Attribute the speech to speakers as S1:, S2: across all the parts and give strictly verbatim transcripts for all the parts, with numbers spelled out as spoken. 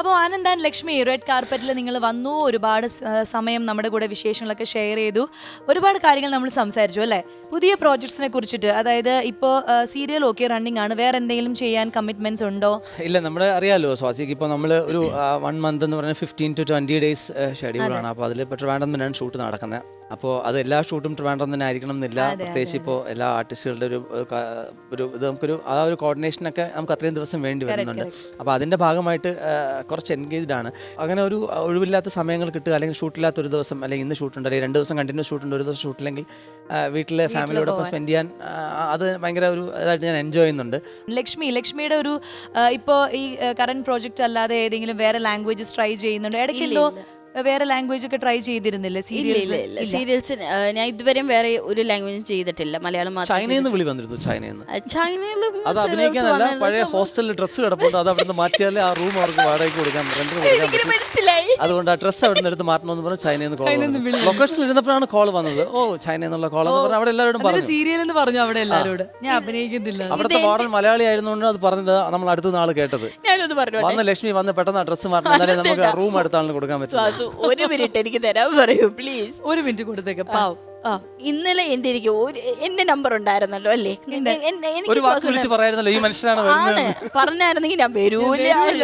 S1: അപ്പോൾ Anand and Lakshmi red കാർപ്പറ്റിൽ നിങ്ങൾ വന്നു, ഒരുപാട് സമയം നമ്മുടെ കൂടെ വിശേഷങ്ങളൊക്കെ ഷെയർ ചെയ്തു, ഒരുപാട് കാര്യങ്ങൾ നമ്മൾ സംസാരിച്ചു അല്ലേ? പുതിയ പ്രോജക്ട്സിനെ കുറിച്ചിട്ട്, അതായത് ഇപ്പോൾ സീരിയൽ ഓക്കെ റണ്ണിങ് ആണ്, വേറെ എന്തെങ്കിലും ചെയ്യാൻ കമ്മിറ്റ്മെന്റ്സ് ഉണ്ടോ?
S2: ഇല്ല, നമ്മുടെ അറിയാലോ സ്വാസിക്ക് ഇപ്പോൾ നമ്മൾ ഒരു വൺ മന്ത് എന്ന് പറഞ്ഞാൽ ഫിഫ്റ്റീൻ ടു ട്വൻറ്റി ഡേയ്സ് ഷെഡ്യൂളാണ്. അപ്പോൾ അതിൽ ഇപ്പോൾ ട്രിവാൻഡ്രം തന്നെയാണ് ഷൂട്ട് നടക്കുന്നത്. അപ്പോൾ അത് എല്ലാ ഷൂട്ടും ട്രിവാൻഡ്രം തന്നെ ആയിരിക്കണം എന്നില്ല. പ്രത്യേകിച്ച് ഇപ്പോൾ എല്ലാ ആർട്ടിസ്റ്റുകളുടെ ഒരു ഒരു ഇത് നമുക്കൊരു ആ ഒരു കോർഡിനേഷനൊക്കെ നമുക്ക് അത്രയും ദിവസം വേണ്ടി വരുന്നുണ്ട്. അപ്പോൾ അതിൻ്റെ ഭാഗമായിട്ട് കുറച്ച് എൻഗേജ്ഡ് ആണ്. അങ്ങനെ ഒരു ഒഴിവില്ലാത്ത സമയങ്ങൾ കിട്ടുക, അല്ലെങ്കിൽ ഷൂട്ടില്ലാത്ത ഒരു ദിവസം, അല്ലെങ്കിൽ ഇന്ന് ഷൂട്ടുണ്ട്, അല്ലെങ്കിൽ രണ്ട് ദിവസം കണ്ടിന്യൂസ് ഷൂട്ടുണ്ട്, ഒരു ദിവസം ഷൂട്ടില്ലെങ്കിൽ വീട്ടിലെ ഫാമിലിയോടൊപ്പം സ്പെൻഡ് ചെയ്യാൻ അത് ഭയങ്കര ഒരു ഇതായിട്ട് ഞാൻ എൻജോയ് ചെയ്യുന്നുണ്ട്.
S1: ലക്ഷ്മി ലക്ഷ്മിയുടെ ഒരു ഇപ്പോൾ ഈ കറന്റ് പ്രോജക്റ്റ് അല്ലാതെ ഏതെങ്കിലും വേറെ ലാംഗ്വേജസ് ട്രൈ ചെയ്യുന്നുണ്ട്? ഇടയ്ക്കല്ലോ വേറെ ലാംഗ്വേജ് ഒക്കെ ട്രൈ ചെയ്തിരുന്നില്ലേ സീരിയൽസ്?
S3: സീരിയൽസ് ഞാൻ ഇതുവരെയും വേറെ ഒരു ലാംഗ്വേജും ചെയ്തിട്ടില്ല, മലയാളം മാത്രം.
S2: ചൈനയിൽ നിന്ന് വിളി വന്നിരുന്നു. ചൈനയിൽ നിന്ന്
S3: ചൈനയിലും
S2: അത് അഭിനയിക്കാനല്ല, പഴയ ഹോസ്റ്റലിൽ ഡ്രസ്സ് കിടപ്പുണ്ട്, അത് അവിടെ നിന്ന് മാറ്റിയാലേ ആ റൂം അവർക്ക് വാടകയ്ക്ക് കൊടുക്കാൻ പറ്റും. അതുകൊണ്ട് ആ ഡ്രസ്സ് അവിടെ നിന്ന് എടുത്ത് മാറ്റണമെന്ന് പറഞ്ഞ് ചൈനയിൽ നിന്ന് കോൾ, ലൊക്കേഷനിൽ ഇരുന്നപ്പോഴാണ് കോൾ വന്നത്. ഓ ചൈന എന്നുള്ള കോൾ എന്ന് പറഞ്ഞാൽ അവിടെ എല്ലാവരോടും പറഞ്ഞു
S1: സീരിയൽ എന്ന് പറഞ്ഞു. അവിടെ എല്ലാവരോടും ഞാൻ അഭിനയിക്കുന്നില്ല.
S2: അവിടുത്തെ മോഡൽ മലയാളി ആയിരുന്നുകൊണ്ട് അത് പറഞ്ഞത് നമ്മൾ അടുത്ത നാൾ കേട്ടത്.
S3: ഞാനൊന്ന് പറഞ്ഞു,
S2: വന്ന് ലക്ഷ്മി വന്ന് പെട്ടെന്ന് ആ ഡ്രസ്സ് മാറ്റണം, എന്നാലേ നമുക്ക് റൂം അടുത്ത ആളിന് കൊടുക്കാൻ പറ്റും.
S3: ഒരു മിനിറ്റ് എനിക്ക് തരാൻ പറയൂ പ്ലീസ്.
S1: ഒരു മിനിറ്റ് കൊടുത്തേക്ക് പാവം.
S3: ഇന്നലെ എന്റെ എനിക്ക് എന്റെ നമ്പർ ഉണ്ടായിരുന്നല്ലോ അല്ലേ?
S2: പറയായിരുന്നല്ലോ ഈ മനുഷ്യനാണ്
S3: പറഞ്ഞായിരുന്നെങ്കിൽ ഞാൻ വരൂല.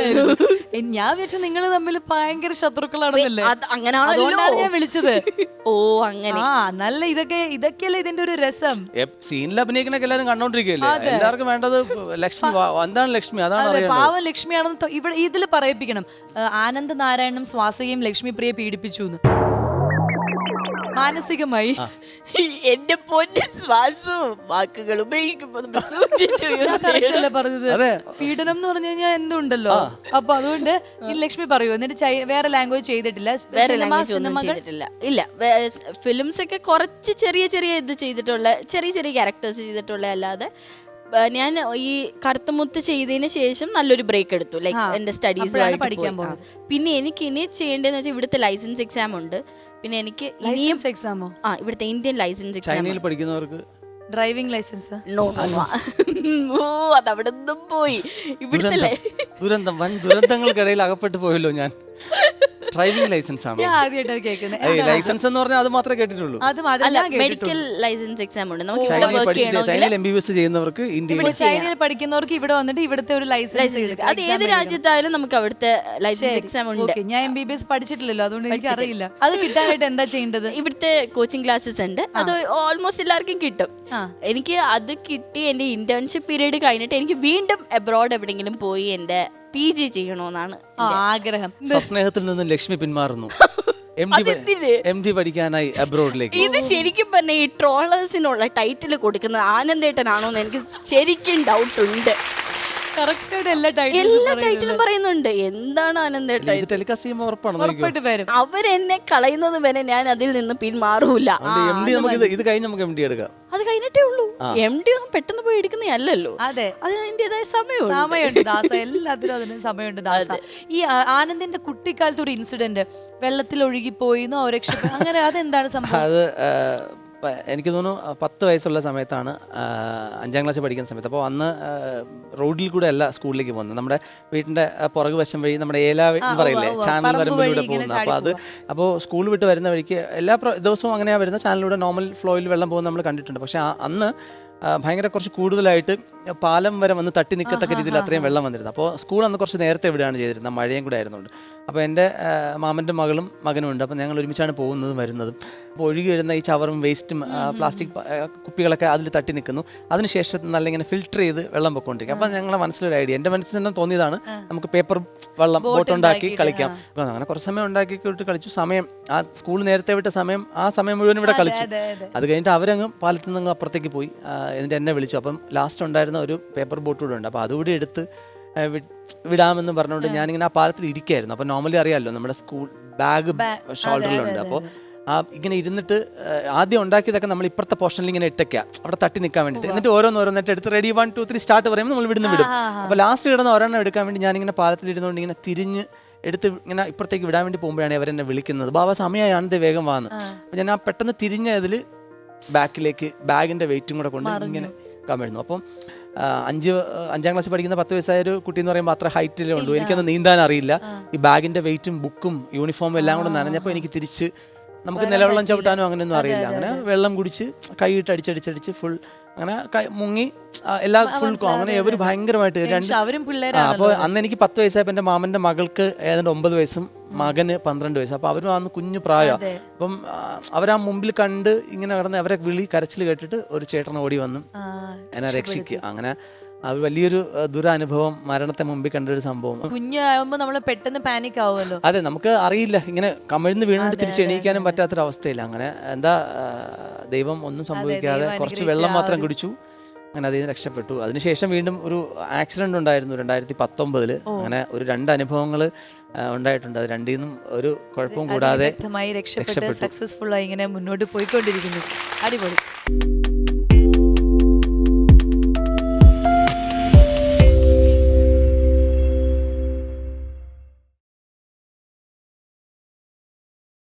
S1: ഞാൻ വിചാരിച്ചു നിങ്ങൾ തമ്മിൽ ഭയങ്കര ശത്രുക്കളാണെന്നല്ലേ.
S3: അങ്ങനെയാണല്ലോ
S1: ഞാൻ വിളിച്ചത്.
S3: ഓ അങ്ങനെ.
S1: ആ നല്ല ഇതൊക്കെ ഇതൊക്കെയല്ലേ ഇതിന്റെ ഒരു രസം.
S2: സീനിൽ അഭിനയിക്കണൊക്കെ എല്ലാവരും കണ്ടോണ്ടിരിക്കുകയല്ലേ. എല്ലാവർക്കും വേണ്ടത് ലക്ഷ്മി എന്താണ് ലക്ഷ്മി, അതാണ്
S1: പാവം ലക്ഷ്മിയാണെന്ന് ഇവിടെ ഇതിൽ പറയിപ്പിക്കണം. ആനന്ദ് നാരായണനും സ്വാസികയും ലക്ഷ്മി പ്രിയെ പീഡിപ്പിച്ചു എന്ന് മാനസികമായി.
S3: എന്റെ പൊന്നു ശ്വാസു, വാക്കുകൾ ഉപയോഗിക്കുമ്പോൾ
S1: പറഞ്ഞത് പീഡനം എന്ന് പറഞ്ഞു കഴിഞ്ഞാൽ എന്തുണ്ടല്ലോ. അപ്പൊ അതുകൊണ്ട് ലക്ഷ്മി പറയൂ, എന്നിട്ട് വേറെ ലാംഗ്വേജ് ചെയ്തിട്ടില്ല?
S3: വേറെ ലാംഗ്വേജ് ഒന്നും ചെയ്തിട്ടില്ല. ഇല്ല, ഫിലിംസ് ഒക്കെ കുറച്ച് ചെറിയ ചെറിയ ഇത് ചെയ്തിട്ടുള്ള, ചെറിയ ചെറിയ ക്യാരക്ടേഴ്സ് ചെയ്തിട്ടുള്ള, അല്ലാതെ ഞാൻ ഈ കറുത്തമുത്ത് ചെയ്തതിന് ശേഷം നല്ലൊരു ബ്രേക്ക് എടുത്തു, ലൈക്ക് എന്റെ സ്റ്റഡീസുമായിട്ട് പഠിക്കാൻ പോകുന്നത്. പിന്നെ എനിക്ക് ഇനി ചെയ്യേണ്ടതെന്ന് വെച്ചാൽ ഇവിടുത്തെ ലൈസൻസ് എക്സാം ഉണ്ട്. പിന്നെ എനിക്ക്
S1: ലൈസൻസ് എക്സാമോ?
S3: ആ, ഇവിടുത്തെ ഇന്ത്യൻ ലൈസൻസ് എക്സാം.
S2: ചൈനയിൽ പഠിക്കുന്നവർക്ക്
S1: ഡ്രൈവിംഗ് ലൈസൻസ്?
S3: നോ നോ, ഓ അതവിടെ നിന്നും പോയി. ഇവിടുത്തെ
S2: ദുരന്തം, വൻ ദുരന്തങ്ങൾക്കിടയിൽ അകപ്പെട്ടു പോയല്ലോ ഞാൻ. ഡ്രൈവിംഗ് ലൈസൻസ് ആണ്
S1: ഞാൻ ആദ്യമായിട്ടാണ് കേൾക്കുന്നത്.
S2: ലൈസൻസ് എന്ന് പറഞ്ഞാൽ അത് മാത്രമേ കേട്ടിട്ടുള്ളൂ.
S3: മെഡിക്കൽ ലൈസൻസ് എക്സാം ഉണ്ട്.
S2: ചൈനയിൽ എം ബി ബി എസ് ചെയ്യുന്നവർക്ക്, ഇന്ത്യയിൽ
S1: ചൈനയിൽ പഠിക്കുന്നവർക്ക് ഇവിടെ വന്നിട്ട് ഇവിടുത്തെ ഒരു ലൈസൻസ്,
S3: അത് ഏത് രാജ്യത്തായാലും നമുക്ക് അവിടുത്തെ ലൈസൻസ് എക്സാം ഉണ്ട്.
S1: ഞാൻ എം ബി ബി എസ് പഠിച്ചിട്ടില്ലല്ലോ, അതുകൊണ്ട് എനിക്ക് അറിയില്ല. അത് കിട്ടാനായിട്ട് എന്താ ചെയ്യേണ്ടത്?
S3: ഇവിടുത്തെ കോച്ചിങ് ക്ലാസ്സസ് ഉണ്ട്, അത് ഓൾമോസ്റ്റ് എല്ലാവർക്കും കിട്ടും. എനിക്ക് അത് കിട്ടി എന്റെ ഇന്റേൺഷിപ്പ് പീരീഡ് കഴിഞ്ഞിട്ട് എനിക്ക് വീണ്ടും അബ്രോഡ് എവിടെയെങ്കിലും പോയി എന്റെ പി ജി ചെയ്യണമെന്നാണ്
S1: ആഗ്രഹം.
S2: സ്നേഹത്തിൽ നിന്ന് ലക്ഷ്മി പിന്മാറുന്നു എം ഡി പഠിക്കാനായി അബ്രോഡിലേക്ക്.
S3: ഇത് ശരിക്കും പറഞ്ഞ ഈ ട്രോളേഴ്സിനുള്ള ടൈറ്റിൽ കൊടുക്കുന്നത് ആനന്ദേട്ടനാണോ എന്ന് എനിക്ക് ശരിക്കും ഡൗട്ട് ഉണ്ട്. എല്ലാ ടൈറ്റിലും പറയുന്നുണ്ട്. എന്താണ് ആനന്ദേട്ടൻ അവരെന്നെ കളയുന്നത് വരെ ഞാൻ അതിൽ നിന്ന് പിന്മാറൂല.
S2: ഇത് കഴിഞ്ഞ് നമുക്ക് എം ഡി എടുക്കാം.
S3: അത് കഴിഞ്ഞിട്ടേ ഉള്ളൂ. എം ഡി ഒന്നും പെട്ടെന്ന് പോയി എടുക്കുന്നതല്ലോ.
S1: അതെ,
S3: അതിന് അതിൻ്റെതായ സമയം
S1: സമയമുണ്ട് ദാസ, എല്ലാത്തിനും അതിന് സമയമുണ്ട് ദാസ. ഈ ആനന്ദിന്റെ കുട്ടിക്കാലത്ത് ഒരു ഇൻസിഡന്റ്, വെള്ളത്തിൽ ഒഴുകിപ്പോയി രക്ഷപ്പെട്ടു, അങ്ങനെ അതെന്താണ് സംഭവം?
S2: അത് എനിക്ക് തോന്നുന്നു പത്ത് വയസ്സുള്ള സമയത്താണ്, അഞ്ചാം ക്ലാസ്സിൽ പഠിക്കുന്ന സമയത്ത്. അപ്പോൾ അന്ന് റോഡിൽ കൂടെ അല്ല സ്കൂളിലേക്ക് പോകുന്നത്, നമ്മുടെ വീട്ടിൻ്റെ പുറകു വശം വഴി, നമ്മുടെ ഏല എന്ന് പറയില്ലേ, ചാനൽ വരമ്പിലൂടെ പോകുന്നത്. അപ്പോൾ അത് അപ്പോൾ സ്കൂൾ വിട്ട് വരുന്ന വഴിക്ക് എല്ലാ ദിവസവും അങ്ങനെയാണ് വരുന്നത്, ചാനലിലൂടെ നോർമൽ ഫ്ലോയിൽ വെള്ളം പോകുന്നത് നമ്മൾ കണ്ടിട്ടുണ്ട്. പക്ഷേ അന്ന് ഭയങ്കര കുറച്ച് കൂടുതലായിട്ട് പാലം വരെ വന്ന് തട്ടി നിൽക്കത്തക്ക രീതിയിൽ അത്രയും വെള്ളം വന്നിരുന്നു. അപ്പോൾ സ്കൂൾ അന്ന് കുറച്ച് നേരത്തെ വിടുകയാണ് ചെയ്തിരുന്നത്, മഴയും കൂടെ ആയിരുന്നുണ്ട്. അപ്പോൾ എൻ്റെ മാമൻ്റെ മകളും മകനും ഉണ്ട്. അപ്പോൾ ഞങ്ങൾ ഒരുമിച്ചാണ് പോകുന്നതും വരുന്നതും. അപ്പോൾ ഒഴുകി വരുന്ന ഈ ചവറും വേസ്റ്റും പ്ലാസ്റ്റിക് കുപ്പികളൊക്കെ അതിൽ തട്ടി നിൽക്കുന്നു. അതിനുശേഷം നല്ല ഇങ്ങനെ ഫിൽറ്റർ ചെയ്ത് വെള്ളം പൊയ്ക്കൊണ്ടിരിക്കും. അപ്പോൾ ഞങ്ങളുടെ മനസ്സിലൊരു ഐഡിയ, എൻ്റെ മനസ്സിൽ തന്നെ തോന്നിയതാണ്, നമുക്ക് പേപ്പർ വെള്ളം ബോട്ടുണ്ടാക്കി കളിക്കാം. അപ്പോൾ അങ്ങനെ കുറച്ച് സമയം ഉണ്ടാക്കിയിട്ട് കളിച്ചു. സമയം ആ സ്കൂൾ നേരത്തെ വിട്ട സമയം, ആ സമയം മുഴുവൻ ഇവിടെ കളിച്ചു. അത് കഴിഞ്ഞിട്ട് അവരങ്ങ് പാലത്തിൽ നിന്ന് അപ്പുറത്തേക്ക് പോയി. എന്നിട്ട് എന്നെ വിളിച്ചു. അപ്പം ലാസ്റ്റ് ഉണ്ടായിരുന്ന ഒരു പേപ്പർ ബോട്ട് കൂടെ ഉണ്ട്. അപ്പോൾ അതുകൂടി എടുത്ത് വിടാമെന്ന് പറഞ്ഞുകൊണ്ട് ഞാനിങ്ങനെ ആ പാലത്തിൽ ഇരിക്കുകയായിരുന്നു. അപ്പോൾ നോർമലി അറിയാമല്ലോ, നമ്മുടെ സ്കൂൾ ബാഗ് ഷോൾഡറിലുണ്ട്. അപ്പോൾ ആ ഇങ്ങനെ ഇരുന്നിട്ട് ആദ്യം ഉണ്ടാക്കിയതൊക്കെ നമ്മൾ ഇപ്പുറത്തെ പോർഷനിൽ ഇങ്ങനെ ഇട്ടയ്ക്കുക, അവിടെ തട്ടി നിൽക്കാൻ വേണ്ടിയിട്ട്. എന്നിട്ട് ഓരോന്ന് ഓരോന്നിട്ട് എടുത്ത് ready one two three start പറയുമ്പോൾ നമ്മൾ ഇവിടുന്ന് വിടും. അപ്പോൾ ലാസ്റ്റ് കിടന്ന് ഒരെണ്ണം എടുക്കാൻ വേണ്ടി ഞാനിങ്ങനെ പാലത്തിൽ ഇരുന്നുകൊണ്ട് ഇങ്ങനെ തിരിഞ്ഞ് എടുത്ത് ഇങ്ങനെ ഇപ്പുറത്തേക്ക് വിടാൻ വേണ്ടി പോകുമ്പോഴാണ് അവരെന്നെ വിളിക്കുന്നത്, ബാബാ സമയമാണെന്ന് വേഗം വാന്ന്. അപ്പോൾ ഞാൻ ആ പെട്ടെന്ന് തിരിഞ്ഞതിൽ ബാക്കിലേക്ക് ബാഗിൻ്റെ വെയിറ്റും കൂടെ കൊണ്ട് ഇങ്ങനെ കമിഴ്ന്നു. അപ്പം ആ, അഞ്ച് അഞ്ചാം ക്ലാസ്സിൽ പഠിക്കുന്ന പത്ത് വയസ്സായ ഒരു കുട്ടി എന്ന് പറയുമ്പോൾ അത്ര ഹൈറ്റിലേ ഉള്ളൂ. എനിക്കത് നീന്താൻ അറിയില്ല. ഈ ബാഗിൻ്റെ വെയിറ്റും ബുക്കും യൂണിഫോമും എല്ലാം കൂടെ നനഞ്ഞപ്പോൾ എനിക്ക് തിരിച്ച് നമുക്ക് നിലവെള്ളം ചവിട്ടാനോ അങ്ങനെയൊന്നും അറിയില്ല. അങ്ങനെ വെള്ളം കുടിച്ച് കൈയിട്ട് അടിച്ചടിച്ചടിച്ച് ഫുൾ അങ്ങനെ കൈ- മുങ്ങി ആ, എല്ലാ ഫുൾ അങ്ങനെ അവർ ഭയങ്കരമായിട്ട് രണ്ട്
S1: അവരും
S2: ആ,
S1: പിള്ളേരാണ്.
S2: അപ്പോൾ അന്ന് എനിക്ക് പത്ത് വയസ്സായപ്പോൾ എൻ്റെ മാമൻ്റെ മകൾക്ക് ഏതാണ്ട് ഒമ്പത് വയസ്സും മകന് പന്ത്രണ്ട് വയസ്സ്. അപ്പോൾ അവരും അന്ന് കുഞ്ഞു പ്രായമാണ്. അപ്പം ആ, അവരാ മുമ്പിൽ കണ്ട് ഇങ്ങനെ കിടന്ന് അവരെ വിളി കരച്ചിൽ കേട്ടിട്ട് ഒരു ചേട്ടൻ ഓടി വന്നു എന്നെ രക്ഷിക്കുക. അങ്ങനെ അത് വലിയൊരു ആ, ദുരനുഭവം, മരണത്തെ മുമ്പിൽ കണ്ടൊരു സംഭവം.
S1: കുഞ്ഞാകുമ്പോ നമ്മള് പെട്ടെന്ന് പാനിക് ആവുമല്ലോ.
S2: അതെ, നമുക്ക് അറിയില്ല, ഇങ്ങനെ കമിഴ്ന്ന് വീണിട്ട് തിരിച്ച് എണീക്കാനും പറ്റാത്തൊരവസ്ഥയില്ല. അങ്ങനെ എന്താ ആ, ദൈവം ഒന്നും സംഭവിക്കാതെ
S1: ദൈവം
S2: കുറച്ച്
S1: അനുഗ്രഹിച്ച
S2: വെള്ളം
S1: ആ
S2: മാത്രം
S1: ഒരു-
S2: കുടിച്ചു. അങ്ങനെ അതിൽ നിന്ന് രക്ഷപ്പെട്ടു. അതിനുശേഷം വീണ്ടും ഒരു ആക്സിഡന്റ് ഉണ്ടായിരുന്നു രണ്ടായിരത്തി പത്തൊമ്പതില്. അങ്ങനെ ഒരു രണ്ട് അനുഭവങ്ങൾ ഉണ്ടായിട്ടുണ്ട്. അത് രണ്ടിൽ നിന്നും ഒരു കുഴപ്പവും കൂടാതെ
S1: വ്യക്തമായി രക്ഷപ്പെട്ട് സക്സസ്ഫുൾ ആയി ഇങ്ങനെ മുന്നോട്ട് പോയിക്കൊണ്ടിരിക്കുന്നു. അടിപൊളി.